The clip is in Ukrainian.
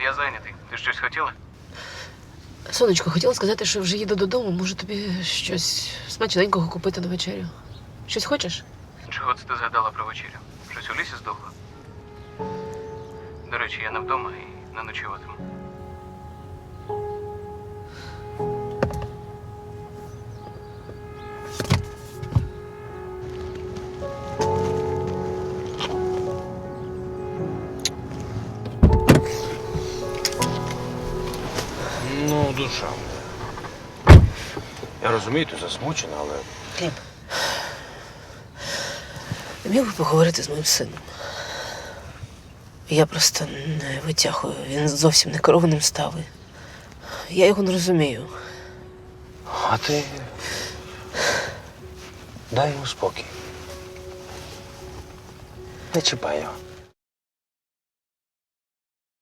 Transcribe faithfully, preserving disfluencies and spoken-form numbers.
Я зайнятий. Ти щось хотіла? Сонечко, хотіла сказати, що вже їду додому. Можу тобі щось смачненького купити на вечерю. Щось хочеш? Чого це ти згадала про вечерю? Щось у лісі здохло? До речі, я не вдома і не ночуватиму. Ну, душа. Я розумію, ти засмучена, але Гліб, я міг би поговорити з моїм сином. Я просто не витягую. Він зовсім не керованим став. Я його не розумію. А ти дай йому спокій. Не чіпай його.